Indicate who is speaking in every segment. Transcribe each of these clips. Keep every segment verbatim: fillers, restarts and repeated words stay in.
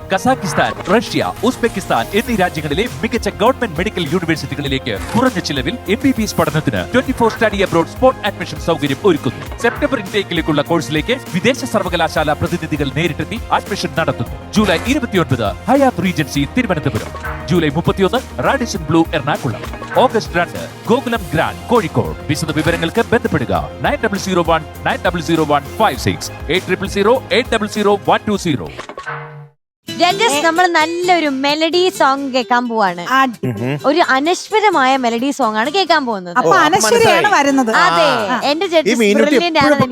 Speaker 1: Kazakhstan, Russia, Uzbekistan എന്നീ രാജ്യങ്ങളിലെ മികച്ച ഗവൺമെന്റ് മെഡിക്കൽ യൂണിവേഴ്സിറ്റികളിലേക്ക് കുറഞ്ഞ ചിലവിൽ എം ബി ബി എസ് പഠനത്തിന് twenty four study abroad spot admission സൗകര്യം ഒരുക്കുന്നു. സെപ്റ്റംബർ ഇൻടേക്കിലേക്കുള്ള കോഴ്സിലേക്ക് വിദേശ സർവകലാശാല പ്രതിനിധികൾ നേരിട്ടെത്തി അഡ്മിഷൻ നടത്തുന്നു. ജൂലൈ ഇരുപത്തിയൊൻപത് ഹയാത്ത് റീജൻസി തിരുവനന്തപുരം, ജൂലൈ മുപ്പത്തിയൊന്ന് റാഡിസൺ ബ്ലൂ എറണാകുളം, ഓഗസ്റ്റ് രണ്ട് ഗോകുലം ഗ്രാൻഡ് കോഴിക്കോട്. വിശദ വിവരങ്ങൾക്ക് ബന്ധപ്പെടുക nine double zero one nine double zero one five six eight triple zero eight double zero one two zero.
Speaker 2: Judges, നമ്മൾ നല്ലൊരു മെലഡി സോങ് കേൾക്കാൻ പോവാണ്. ഒരു അനശ്വരമായ മെലഡി സോങ് ആണ് കേൾക്കാൻ പോകുന്നത്.
Speaker 3: അപ്പൊ അനശ്വരയാണ് വരുന്നത്.
Speaker 2: അതെ, എന്റെ ജഡ്ജസ് ബ്രില്യന്റ് ആണെന്ന്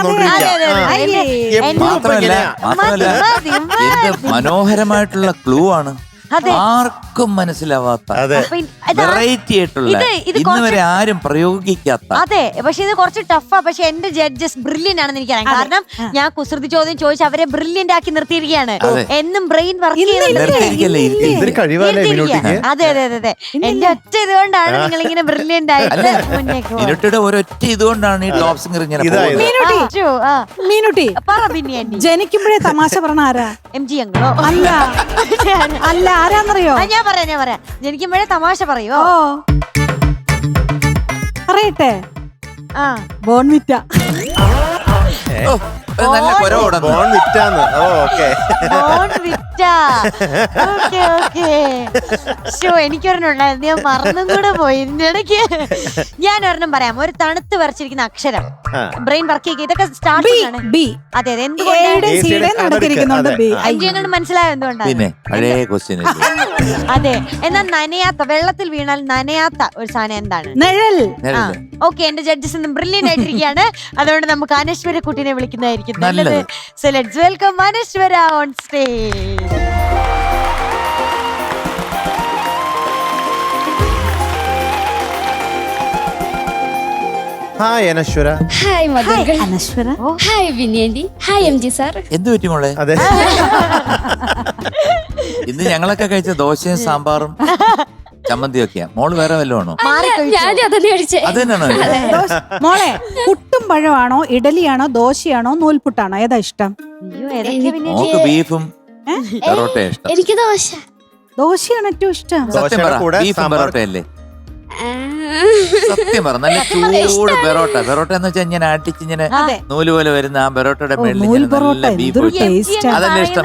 Speaker 4: എനിക്കറിയാം. മനോഹരമായിട്ടുള്ള ക്ലൂ ആണ്, ആർക്കും മനസ്സിലാവാത്ത വെറൈറ്റി ആയിട്ടുള്ള, ഇന്ന് വരെ ആരും പ്രയോഗിക്കാത്ത.
Speaker 2: അതെ, പക്ഷെ ഇത് കുറച്ച് ടഫാ. പക്ഷെ എന്റെ ജഡ്ജസ് ബ്രില്യന്റ് ആണെന്ന് എനിക്കറിയാം. കാരണം ഞാൻ കുസൃതി ചോദ്യം ചോദിച്ച് അവരെ ബ്രില്യന്റ് ആക്കി നിർത്തിയിരിക്കുകയാണ്. എന്നും ബ്രെയിൻ വർക്ക് അതെ അതെ അതെ അതെ എന്റെ ഒറ്റ ഇതുകൊണ്ടാണ് നിങ്ങൾ ഇങ്ങനെ ബ്രില്യന്റ് ആയിട്ട് മുന്നേക്ക്
Speaker 4: ഒരൊറ്റ ഇതുകൊണ്ടാണ് ഈ ടോപ്പ് സിംഗർ ഇങ്ങനെ.
Speaker 3: മീനുട്ടി
Speaker 2: പറ പിന്നെ
Speaker 3: ജനിക്കുമ്പോഴേ തമാശ പറഞ്ഞ ആരാ?
Speaker 2: എം ജി അങ്ങളോ?
Speaker 3: അല്ല അല്ല, ആരാന്നറിയോ?
Speaker 2: ഞാൻ പറയാം ഞാൻ പറയാം ജനിക്കുമ്പോഴേ തമാശ പറയുമോ?
Speaker 3: പറയട്ടെ,
Speaker 2: ആ
Speaker 3: ബോൺവിറ്റ.
Speaker 4: നല്ല
Speaker 2: എനിക്കൊരെണ്ണുണ്ടായിരുന്നു, ഞാൻ മറന്നും കൂടെ പോയി ഇടയ്ക്ക്. ഞാൻ ഒരെണ്ണം പറയാം. ഒരു തണുത്ത് വരച്ചിരിക്കുന്ന അക്ഷരം ബ്രെയിൻ വർക്ക് ചെയ്യുക. ഇതൊക്കെ സ്റ്റാർട്ട് ആണ്.
Speaker 3: ബി.
Speaker 2: അതെ അതെ, എന്തുകൊണ്ട് മനസ്സിലായോ എന്തുകൊണ്ടാണ്? അതെ, എന്നാൽ നനയാത്ത, വെള്ളത്തിൽ വീണാൽ നനയാത്ത ഒരു സാധനം എന്താണ്?
Speaker 3: നിഴൽ.
Speaker 2: ഓക്കെ, എന്റെ ജഡ്ജസ് ഒന്നും ബ്രില്യന്റ് ആയിട്ടിരിക്കുകയാണ്. അതുകൊണ്ട് നമുക്ക് അനശ്വര കുട്ടീനെ വിളിക്കുന്നതായിരിക്കും നല്ലത്. So let's welcome Anaswara on stage.
Speaker 5: Hi Anaswara.
Speaker 6: Hi മധുകൾ.
Speaker 3: Anaswara.
Speaker 6: Hi Vinayanthi. Hi M G sir.
Speaker 4: എന്ത് പറ്റി മോളെ?
Speaker 5: അതെ,
Speaker 4: ഇന്ന് ഞങ്ങളൊക്കെ കഴിച്ച ദോശയും സാമ്പാറും ചമ്മന്തിയൊക്കെയാ. മോള് വേറെ വല്ലതും ആണോ? അത് തന്നെയാണോ?
Speaker 3: മോളെ, പുട്ടും പഴമാണോ, ഇഡലിയാണോ, ദോശയാണോ, നൂൽപുട്ടാണോ, ഏതാ ഇഷ്ടം?
Speaker 4: മോക്ക് ബീഫും പെറോട്ടയും ഇഷ്ടം.
Speaker 6: എനിക്ക് ദോശ.
Speaker 3: ദോശയാണ് ഏറ്റവും ഇഷ്ടം.
Speaker 4: സത്യം പറ, ബീഫും പെറോട്ടയല്ലേ? സത്യം പറ, നല്ല ചൂട് പെറോട്ട. പെറോട്ട എന്ന് വെച്ചാൽ ഇങ്ങനെ അടിച്ച് ഇങ്ങനെ നൂല് പോലെ വരുന്ന ആ പെറോട്ടയുടെ മേളിൽ ബീഫ്. അതല്ലേ ഇഷ്ടം?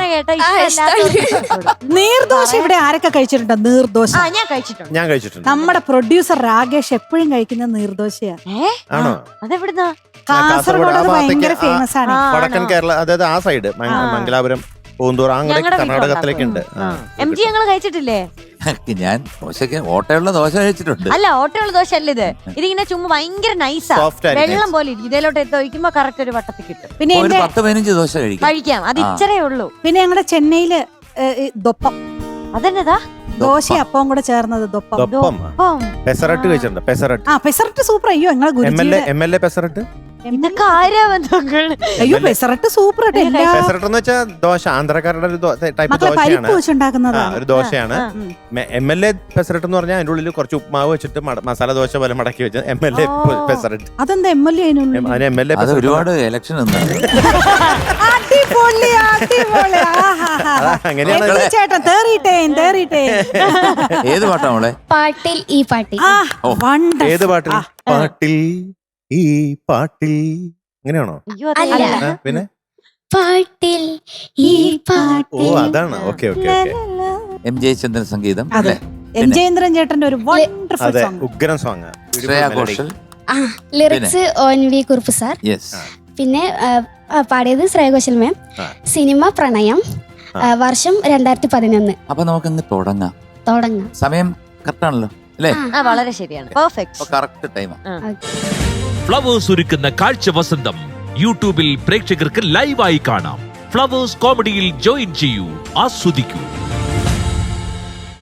Speaker 3: നീർദോശ ഇവിടെ ആരൊക്കെ കഴിച്ചിട്ടുണ്ടോ? നീർദോശ
Speaker 2: ഞാൻ കഴിച്ചിട്ടുണ്ട്.
Speaker 5: ഞാൻ കഴിച്ചിട്ടുണ്ട്.
Speaker 3: നമ്മുടെ പ്രൊഡ്യൂസർ രാകേഷ് എപ്പോഴും കഴിക്കുന്ന നീർദോശയാ.
Speaker 5: ആണോ?
Speaker 2: അതെവിടുന്നാ?
Speaker 3: കാസർഗോഡ് അത് ഭയങ്കര ഫേമസ് ആണ്.
Speaker 5: വടക്കൻ കേരള, അതായത് ആ സൈഡ് മംഗലാപുരം, പൂന്തൂർ, അങ്ങനെ കർണാടകത്തിലേക്ക് ഉണ്ട്.
Speaker 2: എം ജി ഞങ്ങൾ കഴിച്ചിട്ടില്ലേ?
Speaker 4: ഞാൻ ദോശക്ക് ഓട്ടയുള്ള ദോശ കഴിച്ചിട്ടുണ്ട്.
Speaker 2: അല്ല, ഓട്ടയുള്ള ദോശ അല്ല ഇത്. ഇതിങ്ങനെ ചുമ്മാ ഭയങ്കര നൈസാ, വെള്ളം പോലെ ഇരിക്കും. ഇതിലോട്ട് എത്തിക്കുമ്പോ കറക്റ്റ് ഒരു വട്ടത്തിൽ കിട്ടും. പിന്നെ
Speaker 4: ഒരു പത്ത് പതിനഞ്ച് ദോശ കഴിക്കാം
Speaker 2: കഴിക്കാം. അത് ഇച്ചരേ ഉള്ളൂ.
Speaker 3: പിന്നെ ഞങ്ങളുടെ ചെന്നൈയില് ദൊപ്പം.
Speaker 2: അതെന്നതാ?
Speaker 3: ദോശ അപ്പവും കൂടെ ചേർന്നത് ദൊപ്പം.
Speaker 5: പെസറട്ട് കഴിച്ചിട്ടുണ്ട്. പെസറട്ട്.
Speaker 3: ആ, പെസറട്ട് സൂപ്പർ. അയ്യോ, ഞങ്ങളെ ഗുരുജിയുടെ
Speaker 5: എം എൽ എ പെസറട്ട്.
Speaker 2: ഇതൊക്കെ ആരാ ബന്ധങ്ങൾ?
Speaker 3: അയ്യോ, പെസറട്ട് സൂപ്പർ.
Speaker 5: പെസറട്ട് എന്ന് വെച്ചാൽ ദോശ, ആന്ധ്രക്കാരുടെ ഒരു ടൈപ്പ് ദോശയാണ്. ഒരു ദോശയാണ്. എം എൽ എ പെസറട്ട് എന്ന് പറഞ്ഞാൽ അതിന്റെ ഉള്ളിൽ കുറച്ച് ഉപ്മാവ് വെച്ചിട്ട് മസാല ദോശ പോലെ മടക്കി വെച്ച എം എൽ എ പെസറട്ട്.
Speaker 3: അതെന്താ M L A?
Speaker 5: M L A
Speaker 4: ഒരുപാട് ഇലക്ഷൻ ഏത് പാട്ടാ മോളെ?
Speaker 6: പാട്ടിൽ ഈ പാട്ടിൽ.
Speaker 5: ഏത് പാട്ടിൽ? പാട്ടിൽ ഈ പാട്ടിൽ. അങ്ങനെയാണോ? പിന്നെ
Speaker 6: പാട്ടിൽ ഈ പാട്ടിൽ.
Speaker 5: ഓ, അതാണ്. Okay okay okay.
Speaker 4: M Jayachandran സംഗീതം.
Speaker 3: എം ജയേന്ദ്രൻ ചേട്ടന്റെ ഒരു വണ്ടർഫുൾ സോങ്.
Speaker 5: ഉഗ്രൻ song.
Speaker 4: Shreya Ghoshal.
Speaker 6: Lyrics O N V Kurup sir. പിന്നെ പാടിയത് ശ്രേയ ഘോഷൽ മാം. സിനിമ പ്രണയം. വർഷം രണ്ടായിരത്തി പതിനൊന്ന്.
Speaker 4: അപ്പൊ നമുക്ക് തുടങ്ങാം.
Speaker 6: തുടങ്ങാം.
Speaker 4: സമയം കറക്റ്റാണല്ലോ അല്ലേ?
Speaker 2: വളരെ ശരിയാണ്. പെർഫെക്റ്റ്.
Speaker 4: കറക്റ്റ് ടൈമാണ്.
Speaker 1: ഫ്ലവേഴ്സ് ഒരുക്കുന്ന കാഴ്ച വസന്തം യൂട്യൂബിൽ പ്രേക്ഷകർക്ക് ലൈവായി കാണാം. ഫ്ലവേഴ്സ് കോമഡിയിൽ ജോയിൻ ചെയ്യൂ, ആസ്വദിക്കൂ.